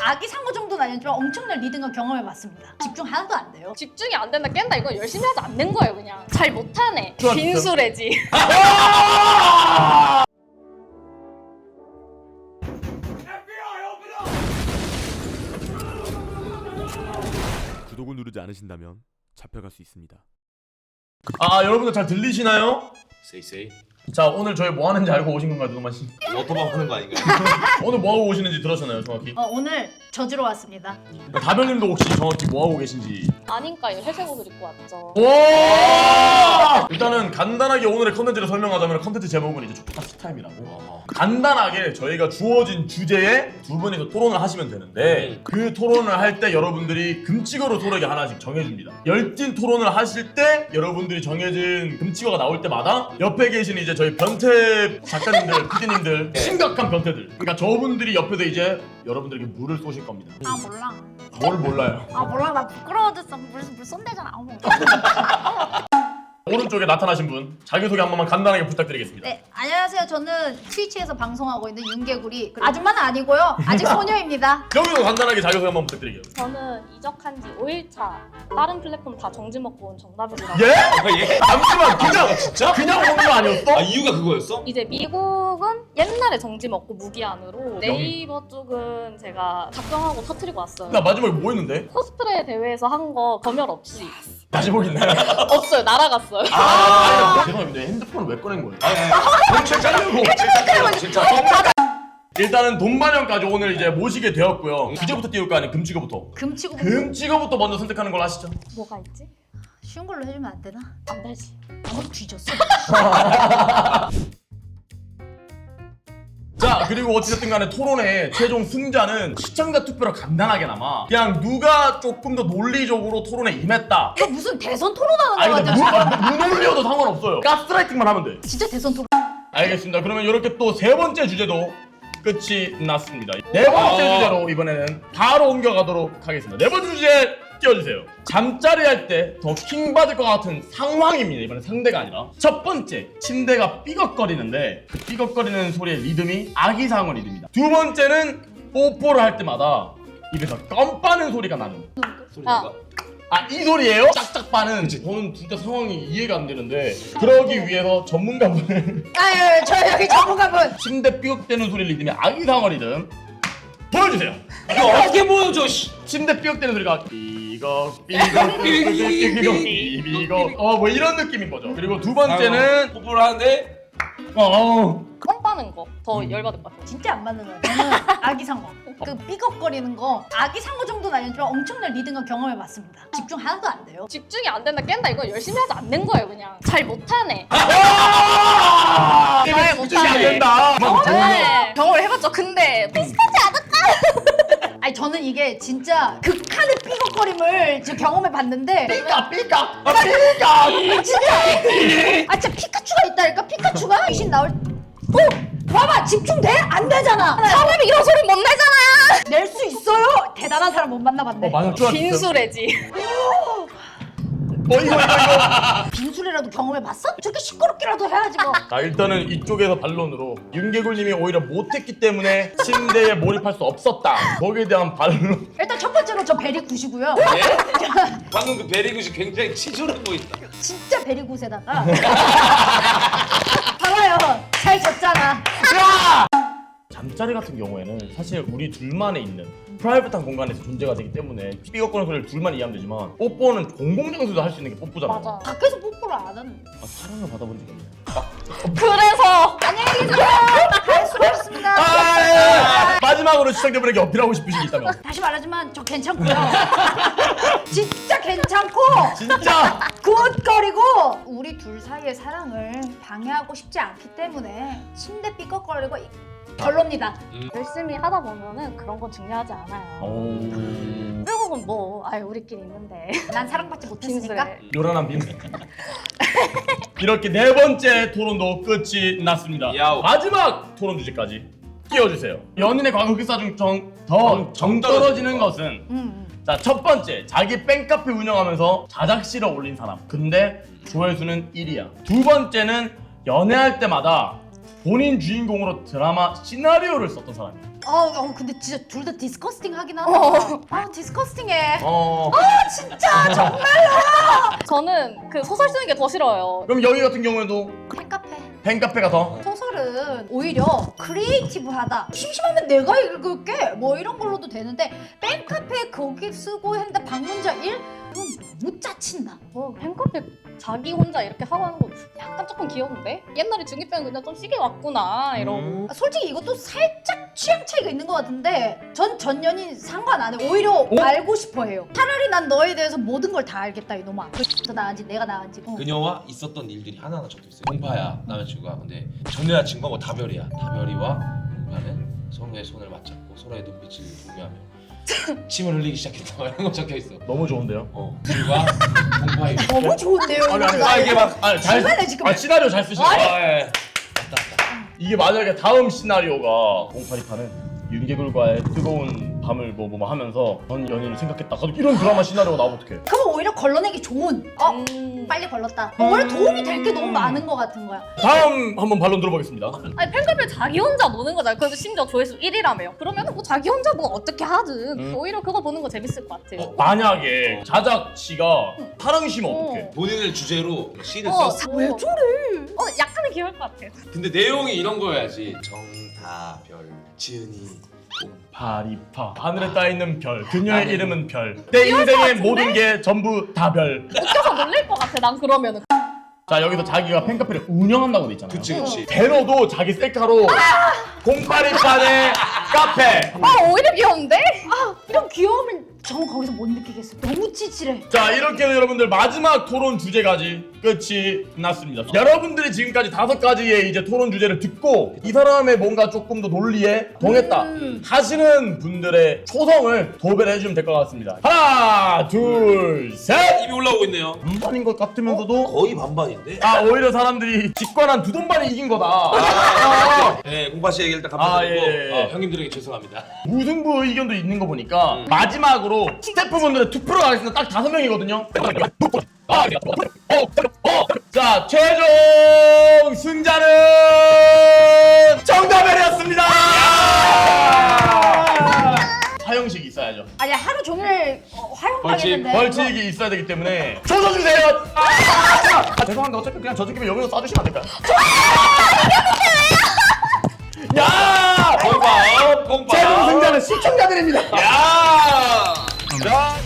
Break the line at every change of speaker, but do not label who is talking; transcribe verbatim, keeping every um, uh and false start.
아기 상어 정도는 아니지만 엄청난 리듬과 경험해봤습니다. 집중 하나도 안 돼요.
집중이 안 된다 깬다 이거 열심히 하지 않는 거예요 그냥. 잘 못하네.
좋아,
빈수레지.
구독을 누르지 않으신다면 잡혀갈 수 있습니다.
아 여러분들 잘 들리시나요?
세이세이
자 오늘 저희 뭐 하는지 알고 오신 건가요, 누누마 씨?
워터밤 하는 거 아닌가요?
오늘 뭐 하고 오시는지 들으셨나요, 정확히?
어, 오늘 저지러 왔습니다.
다별님도 혹시 정확히 뭐 하고 계신지?
아닌가요? 회색 옷을 입고 왔죠.
와! 일단은 간단하게 오늘의 컨텐츠를 설명하자면 컨텐츠 제목은 이제 족파 스타임이라고.
어.
간단하게 저희가 주어진 주제에 두 분이서 토론을 하시면 되는데
음.
그 토론을 할 때 여러분들이 금치어로 토론이 하나씩 정해줍니다. 열띤 토론을 하실 때 여러분들이 정해진 금치어가 나올 때마다 옆에 계신 이제 저희 변태 작가님들, 피디님들 심각한 변태들, 그러니까 저분들이 옆에서 이제 여러분들에게 물을 쏘실 겁니다.
아 몰라.
뭘 몰라요?
아 몰라 나 부끄러워졌어. 물, 물 쏜대잖아. 어머.
오른쪽에 나타나신 분 자기소개 한 번만 간단하게 부탁드리겠습니다.
네 안녕하세요. 저는 트위치에서 방송하고 있는 윤개구리 아줌마는 아니고요. 아직 소녀입니다.
여기도 간단하게 자기소개 한 번 부탁드릴게요.
저는 이적한 지 오 일 차. 다른 플랫폼 다 정지 먹고 온 정답이라고.
예?
아, 예?
잠시만 그냥
진짜?
그냥 온 거 아니었어?
아 이유가 그거였어?
이제 미국은 옛날에 정지 먹고 무기한으로 네이버 쪽은 제가 작정하고 터트리고 왔어요.
나 마지막에 뭐 했는데?
코스프레 대회에서 한 거 검열 없이.
다시 보겠나요?
없어요. 날아갔어요.
아, 아 죄송합니다. 핸드폰을 왜 꺼낸 거예요?
아니 아니 진짜 짜려고 진짜
일단은 돈마련까지 오늘 이제 모시게 되었고요. 주제부터 띄울까 아니면 금치거부터?
금치고
금치거부터 먼저 선택하는 걸로 하시죠.
뭐가 있지?
쉬운 걸로 해주면 안 되나?
안 되지.
아무도 뒤졌어.
자 그리고 어찌됐든 간에 토론의 최종 승자는 시청자 투표로 간단하게나마 그냥 누가 조금 더 논리적으로 토론에 임했다.
이거 무슨 대선 토론하는
아니
거
근데
같아.
무, 무논리여도 상관없어요. 가스라이팅만 하면 돼.
진짜 대선 토론.
알겠습니다. 그러면 이렇게 또 세 번째 주제도 끝이 났습니다. 네 번째 주제로 이번에는 바로 옮겨가도록 하겠습니다. 네 번째 주제 띄워주세요. 잠자리 할 때 더 킹받을 것 같은 상황입니다. 이번엔 상대가 아니라. 첫 번째, 침대가 삐걱거리는데 그 삐걱거리는 소리의 리듬이 아기상어 리듬이다. 두 번째는 뽀뽀를 할 때마다 입에서 껌 빠는 소리가 나는.
소리가
아, 이 소리예요? 짝짝 빠는. 저는 진짜 상황이 이해가 안 되는데 그러기 위해서 전문가분을
아유 저 여기 전문가분.
침대 삐걱대는 소리 리듬이 아기상어 리듬 보여주세요.
이거 어떻게 보여줘 씨.
침대 삐걱대는 소리가 삐걱 삐걱 삐걱 삐걱 삐걱 어 뭐 이런 느낌인 거죠. 그리고 두 번째는
뽀뽀를 하는데
어
껌 빠는 거. 더 열받을 것 같아요.
진짜 안 맞는 거야. 저는 아기 상어. 그 삐걱거리는 거 아기 상어 정도는 아니지만 엄청난 리듬과 경험해봤습니다. 집중 하나도 안 돼요.
집중이 안 된다 깬다 이거 열심히 하지 않는 거예요 그냥. 잘 못하네.
게임에 집중이 안 된다.
네. 경험을 해봤죠. 근데 비슷하지 않을까?
아니 저는 이게 진짜 극한의 삐걱거림을 지금 경험해봤는데
삐까 삐까 아 삐까
아 진짜 아 진짜 피카츄가 있다니까. 피카츄가 귀신 나올 어? 봐봐 집중돼? 안 되잖아.
사람이 이런 소리 못 내잖아.
낼 수 있어요? 대단한 사람 못 만나봤네.
어 맞아 좋아.
빈수레지.
어 이거 이거 이거.
빈술이라도 경험해봤어? 저렇게 시끄럽게라도 해야지 뭐.
자 일단은 이쪽에서 반론으로 윤개굴님이 오히려 못했기 때문에 침대에 몰입할 수 없었다. 거기에 대한 반론.
일단 첫 번째로 저 베리 굿이고요.
예? 방금 그 베리굿이 굉장히 치졸해 보인다.
진짜 베리 굿에다가 봐봐요 잘 졌잖아.
잠자리 같은 경우에는 사실 우리 둘만에 있는 프라이빗한 공간에서 존재가 되기 때문에 삐걱거리는 소리를 둘만 이해하면 되지만 뽀뽀는 공공장소에서 할 수 있는 게 뽀뽀잖아요.
맞아.
밖에서 뽀뽀를 안 하는.
아, 사랑을 받아본 적이 없네.
그래서
안녕히 계세요. 갈 수가 없습니다.
아, 마지막으로 시청자분에게 어필하고 싶으신 게 있다면
다시 말하지만 저 괜찮고요. 진짜 괜찮고
진짜
굿거리고 우리 둘 사이의 사랑을 방해하고 싶지 않기 때문에 침대 삐걱거리고 이- 별로입니다.
열심히 하다 보면은 그런 건 중요하지 않아요.
오...
외국은 뭐, 아유 우리끼리 있는데.
난 사랑받지 못했으니까.
빈수레.
요란한 빔. 이렇게 네 번째 토론도 끝이 났습니다.
야오.
마지막 토론 주제까지 띄워주세요. 연인의 과거 흑사 중정 더 정 떨어지는 것은
음, 음.
자, 첫 번째, 자기 팬카페 운영하면서 자작시를 올린 사람. 근데 조회수는 일이야. 두 번째는 연애할 때마다 본인 주인공으로 드라마 시나리오를 썼던 사람이에요.
어, 어 근데 진짜 둘 다 디스커스팅 하긴 하다. 아 디스커스팅해.
어.
진짜 정말.
저는 그 소설 쓰는 게 더 싫어요.
그럼 여기 같은 경우에도
팬카페.
팬카페가 더.
소설은 오히려 크리에이티브하다. 심심하면 내가 읽을게. 뭐 이런 걸로도 되는데 팬카페 거기 쓰고 했는데 방문자 일? 이건 너무 짜친다.
어, 팬카페 자기 혼자 이렇게 하고 하는 거 약간 조금 귀여운데? 옛날에 중이 때는 그냥 좀 시계 왔구나 이러고.
음.
솔직히 이것도 살짝 취향 차이가 있는 것 같은데 전 전 연인 상관 안 해. 오히려 알고 싶어 해요. 차라리 난 너에 대해서 모든 걸 다 알겠다 이놈아. 더 나은지 내가 나은지. 어.
그녀와 있었던 일들이 하나하나 적혀있어요. 공파야 남자친구가. 근데 전 여자친구가 뭐 다별이야. 다별이와 공파는 서로의 손을 맞잡고 서로의 눈빛을 공유하며 침을 흘리기 시작했다. 이런 거 적혀있어.
너무 좋은데요.
어. 둘과 공파의
너무 좋은데요.
아니, 아니,
이거.
아 이게 막
아니 잘.
중간에 지금.
아 시나리오 잘 쓰시네.
아, 예. 맞다 맞다.
이게 만약에 다음 시나리오가 공팔이파는 윤개굴과의 뜨거운 밤을 뭐 뭐 하면서 전 연인을 생각했다. 이런 드라마 시나리오가 나오면 어떡해?
그럼 오히려 걸러내기 좋은. 어
음.
빨리 걸렀다. 오히려 도움이 될 게 너무 많은 것 같은 거야.
다음 한번 반론 들어보겠습니다.
아니 팬카페 자기 혼자 노는 거잖아요. 그래서 심지어 조회수 일 위라며요. 그러면 뭐 자기 혼자 뭐 어떻게 하든
음.
오히려 그거 보는 거 재밌을 것 같아요.
어,
만약에 자작씨가 사랑시면 어떡해?
본인을 주제로 시를
어,
썼어.
왜 저래?
어, 약간은 귀여울 것 같아요.
근데 내용이 이런 거여야지. 정다별, 지은이, 공파.
파리파 하늘에 따있는 별 그녀의 이름은 별 내 인생의 모든 게 전부 다 별.
웃겨서 놀릴 것 같아. 난 그러면은.
자 여기서 자기가 팬카페를 운영한다고 돼 있잖아요.
그치 그치.
대로도 자기 셀카로 공파리파의 카페.
아 오히려 귀여운데?
아 이런 귀여움을 전 거기서 못 느끼겠어. 너무 찌질해.
자 이렇게 해서 여러분들 마지막 토론 주제까지 끝이 났습니다. 여러분들이 지금까지 다섯 가지의 이제 토론 주제를 듣고 이 사람의 뭔가 조금 더 논리에 동했다
음.
하시는 분들의 초성을 도배를 해주시면 될 것 같습니다. 하나 둘셋
입이 올라오고 있네요.
반반인 것 같으면서도
거의 반반인데.
아 오히려 사람들이 직관한 두 돈반이 이긴 거다. 아,
네, 공파 씨 얘기 일단
아,
감사드리고
예, 예.
어, 형님들에게 죄송합니다.
무승부 의견도 있는 거 보니까 마지막으로 스태프분들의 투표로 가겠습니다. 딱 다섯 명이거든요. 자 최종 승자는 정다벨이었습니다. 사형식이 있어야죠.
아니 하루 종일 어, 활용당했는데.
벌칙이 있어야 되기 때문에 조져주세요. 아, 죄송한데 어차피 그냥 저 새끼 여기서 쏴주시면 안 될까요? 야!
공파, 공파.
최종 승자는 시청자들입니다.
야!
자.